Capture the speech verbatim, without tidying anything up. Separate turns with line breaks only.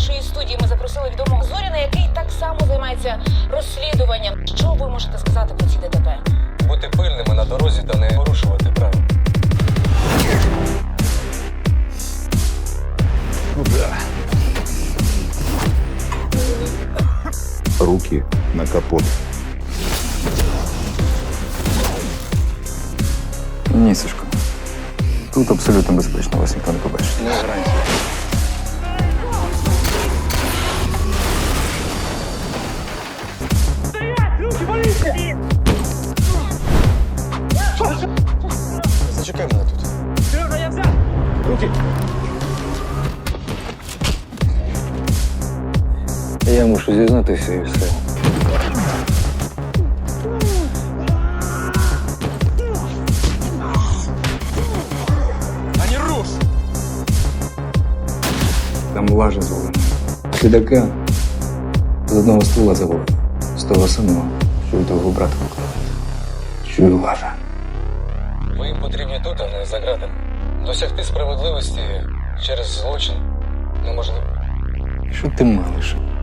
нашої студії ми запросили відомого Зоріна, який так само займається розслідуванням. Що ви можете сказати про ці ДТП?
Бути пильними на дорозі та не порушувати правил.
Куда? Руки на капот.
Ні, Сашко. Тут абсолютно безпечно, вас ніхто не побачить.
Не гарантія.
Зачекай мене тут.
Я мушу зізнатися і все.
А не руш!
Там лажа звалена. Підака з одного ствола завалена. З того самого, що й того брата поклали. Чую лажа.
Ви їм потрібні тут, а не за ґратами. Досягти справедливості через злочин неможливо.
Що ти малиш?